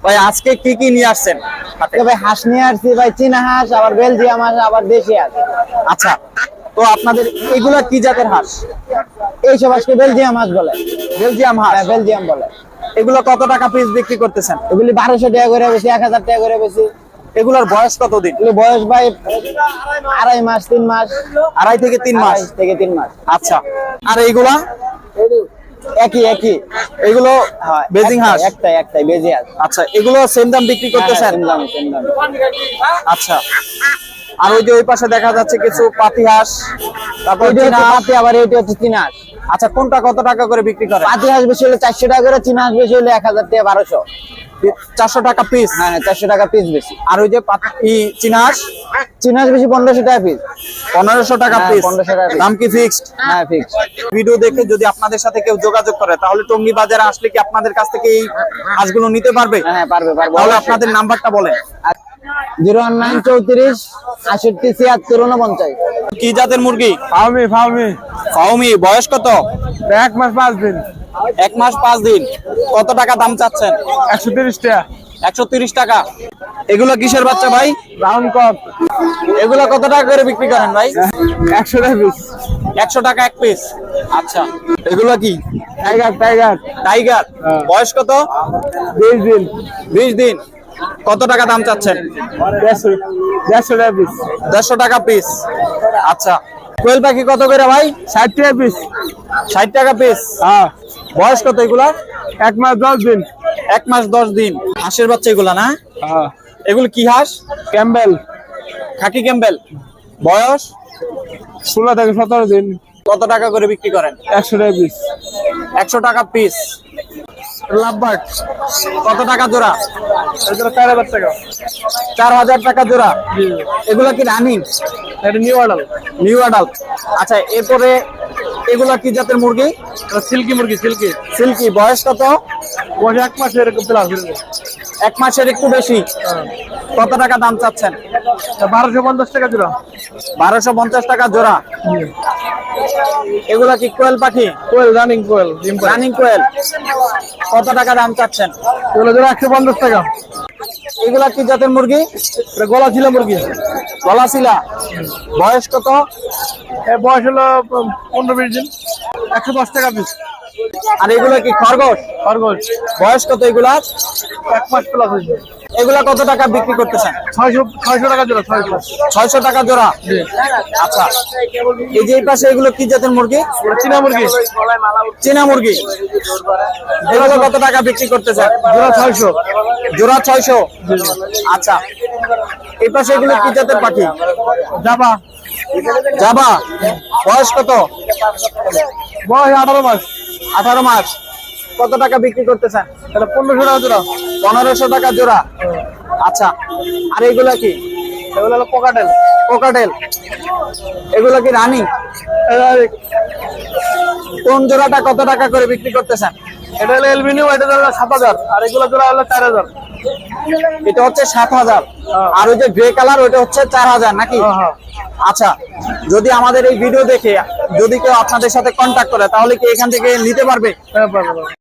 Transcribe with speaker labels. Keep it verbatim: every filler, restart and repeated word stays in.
Speaker 1: ভাই আজকে কি কি নিয়ে আসছেন?
Speaker 2: ভাই হাঁস নিয়ে আসছি ভাই, চীনা হাঁস, আবার বেলজিয়াম হাঁস, আবার দেশি হাঁস।
Speaker 1: আচ্ছা, তো আপনাদের এগুলা কি জাতের হাঁস?
Speaker 2: এইসব হাঁসকে বেলজিয়াম হাঁস বলে।
Speaker 1: বেলজিয়াম হাঁস।
Speaker 2: হ্যাঁ, বেলজিয়াম বলে।
Speaker 1: এগুলো কত টাকা পিস বিক্রি করতেছেন?
Speaker 2: এগুলি বারোশো টাকা করে বেশি, এক হাজার টাকা করে বেশি।
Speaker 1: এগুলোর বয়স কতদিন?
Speaker 2: এগুলি বয়স ভাই আড়াই মাস, তিন মাস।
Speaker 1: আড়াই থেকে তিন মাস
Speaker 2: আড়াই থেকে তিন মাস।
Speaker 1: আচ্ছা, আর এইগুলা?
Speaker 2: একই একই।
Speaker 1: এগুলো
Speaker 2: হ্যাঁ,
Speaker 1: বেজিং হাঁস?
Speaker 2: একটাই একটাই বেজি হাঁস।
Speaker 1: আচ্ছা, এগুলো সেম দাম বিক্রি করতেছেন?
Speaker 2: সেম দাম, সেম দাম।
Speaker 1: আচ্ছা, আর ওই যে ওই পাশে দেখা যাচ্ছে কিছু পাতি হাঁস, তারপর
Speaker 2: এইটা
Speaker 1: চীনা
Speaker 2: হচ্ছে
Speaker 1: হাঁস।
Speaker 2: পাতি, আবার এইটা হচ্ছে চীনা হাঁস।
Speaker 1: আচ্ছা, কোনটা কত টাকা করে বিক্রি করে?
Speaker 2: পাতি হাঁস বেশি হলে চারশো টাকা করে, চীনা হাঁস বেশি হলে এক হাজার টাকা, বারোশো।
Speaker 1: চারশো টাকা পিস?
Speaker 2: হ্যাঁ, চারশো টাকা পিস বেশি।
Speaker 1: আর ওই যে পাতি চীনা হাঁস?
Speaker 2: চীনা হাঁস বেশি পনেরোশো টাকা পিস।
Speaker 1: পনেরোশো টাকা
Speaker 2: হ্যাঁ,
Speaker 1: পিস।
Speaker 2: পনেরোশো টাকা piece।
Speaker 1: দাম কি ফিক্সড?
Speaker 2: হ্যাঁ, ফিক্স।
Speaker 1: ভিডিও দেখে যদি আপনাদের সাথে কেউ যোগাযোগ করে তাহলে টঙ্গী বাজারে আসলে কি আপনাদের কাছ থেকে এই হাঁসগুলো নিতে পারবে?
Speaker 2: হ্যাঁ, পারবে পারবে।
Speaker 1: তাহলে আপনাদের নাম্বারটা বলেন।
Speaker 2: জিরো ওয়ান নাইন চৌত্রিশ আষট্টি ছিয়াত্তর উনপঞ্চাশ।
Speaker 1: কি জাতের মুরগি?
Speaker 3: ফাউমি ফাউমি
Speaker 1: ফাউমি। বয়স কত?
Speaker 3: এক মাস পাঁচ দিন।
Speaker 1: এক মাস পাঁচ দিন। কত টাকা দাম চাচ্ছেন?
Speaker 3: একশো তিরিশ টাকা।
Speaker 1: একশো তিরিশ টাকা। এগুলো কিসের বাচ্চা ভাই?
Speaker 3: রাউন্ড কপ
Speaker 1: এগুলো কত টাকা করে বিক্রি করেন ভাই?
Speaker 3: একশো টাকা পিস।
Speaker 1: একশো টাকা এক পিস। আচ্ছা, এগুলো কি?
Speaker 3: Tiger tiger
Speaker 1: tiger.
Speaker 3: হ্যাঁ।
Speaker 1: বয়স কত?
Speaker 3: বিশ দিন।
Speaker 1: বিশ দিন। কত টাকা দাম চাচ্ছেন?
Speaker 3: দেড়শো দেড়শো টাকা পিস।
Speaker 1: দেড়শো টাকা পিস। আচ্ছা, কোয়েল পাখি কত করে ভাই?
Speaker 3: ষাট টাকা পিস।
Speaker 1: ষাট টাকা পিস।
Speaker 3: হ্যাঁ,
Speaker 1: বয়স কত এগুলা?
Speaker 3: এক মাস দশ দিন।
Speaker 1: এক মাস দশ দিন। হাঁসের বাচ্চা এগুলা না?
Speaker 3: হ্যাঁ,
Speaker 1: এগুলো কি হাঁস?
Speaker 3: ক্যাম্বেল।
Speaker 1: Khaki Campbell. বয়স?
Speaker 3: ষোলো থেকে সতেরো দিন।
Speaker 1: কত টাকা করে বিক্রি করেন?
Speaker 3: একশো টাকা পিস।
Speaker 1: একশো টাকা পিস। লাভবার্ড কত টাকা জোড়া?
Speaker 3: এটা চার হাজার টাকা।
Speaker 1: চার হাজার টাকা জোড়া। এগুলো কি রানিং?
Speaker 3: এটা নিউ অর্ডার।
Speaker 1: New adult. আচ্ছা, এরপরে এগুলা কি জাতের মুরগি?
Speaker 3: সিল্কি মুরগি, সিল্কি।
Speaker 1: সিল্কি। বয়স কত?
Speaker 3: বয়স এক মাস এরকম প্লাস।
Speaker 1: এক মাসের একটু বেশি। কত টাকা দাম চাচ্ছেন?
Speaker 3: বারোশো পঞ্চাশ টাকা জোড়া।
Speaker 1: বারোশো পঞ্চাশ টাকা জোড়া। এগুলা কি কোয়েল পাখি?
Speaker 3: কোয়েল, রানিং কোয়েল।
Speaker 1: রানিং কোয়েল। কত টাকা দাম চাচ্ছেন?
Speaker 3: এগুলো জোড়া একশো পঞ্চাশ টাকা।
Speaker 1: এগুলা কি জাতের মুরগি?
Speaker 3: এটা গলা ছিল মুরগি।
Speaker 1: গলাশিলা। বয়স কত?
Speaker 3: এর বয়স হলো পনেরো বিশ দিন। একশো দশ টাকা পিস।
Speaker 1: আর এগুলা কি খরগোশ?
Speaker 3: খরগোশ।
Speaker 1: বয়স কত এগুলা?
Speaker 3: এক মাস প্লাস হয়েছে।
Speaker 1: এগুলা কত টাকা বিক্রি করতেছেন?
Speaker 3: ছয়শো ছয়শো টাকা জোড়া। ছয়শো
Speaker 1: ছয়শো টাকা জোড়া। আচ্ছা, এই যে এই পাশে এগুলো কি জাতের মুরগি?
Speaker 3: চীনা মুরগি।
Speaker 1: চীনা মুরগি। এগুলো কত টাকা বিক্রি করতেছেন?
Speaker 3: জোড়া ছয়শো।
Speaker 1: জোড়া ছয়শো। আচ্ছা, এই পাশে এগুলো কি জাতের পাখি?
Speaker 3: জাবা।
Speaker 1: জাবা। বয়স কত?
Speaker 3: বয়স আঠারো মাস।
Speaker 1: আঠারো মাস। কত টাকা বিক্রি করতেছেন?
Speaker 3: এটা পনেরোশো টাকা জোড়া।
Speaker 1: পনেরোশো টাকা জোড়া। আচ্ছা, আর এগুলা কি?
Speaker 3: এগুলো হলো পকাটেল।
Speaker 1: কোকাটেল। এগুলো কি রানিং? কোন জোড়াটা কত টাকা করে বিক্রি করতেছেন?
Speaker 3: এটা হলো এলবিনিউ, এটা হলো সাত হাজার। আর এগুলো জোড়া হলো চার হাজার।
Speaker 1: এটা হচ্ছে সাত হাজার। আর ওই যে গ্রে কালার ওইটা হচ্ছে চার হাজার নাকি?
Speaker 3: হ্যাঁ, হ্যাঁ।
Speaker 1: আচ্ছা, যদি আমাদের এই ভিডিও দেখে যদি কেউ আপনাদের সাথে কন্ট্যাক্ট করে তাহলে কি এখান থেকে নিতে পারবে?
Speaker 3: হ্যাঁ, পারবে।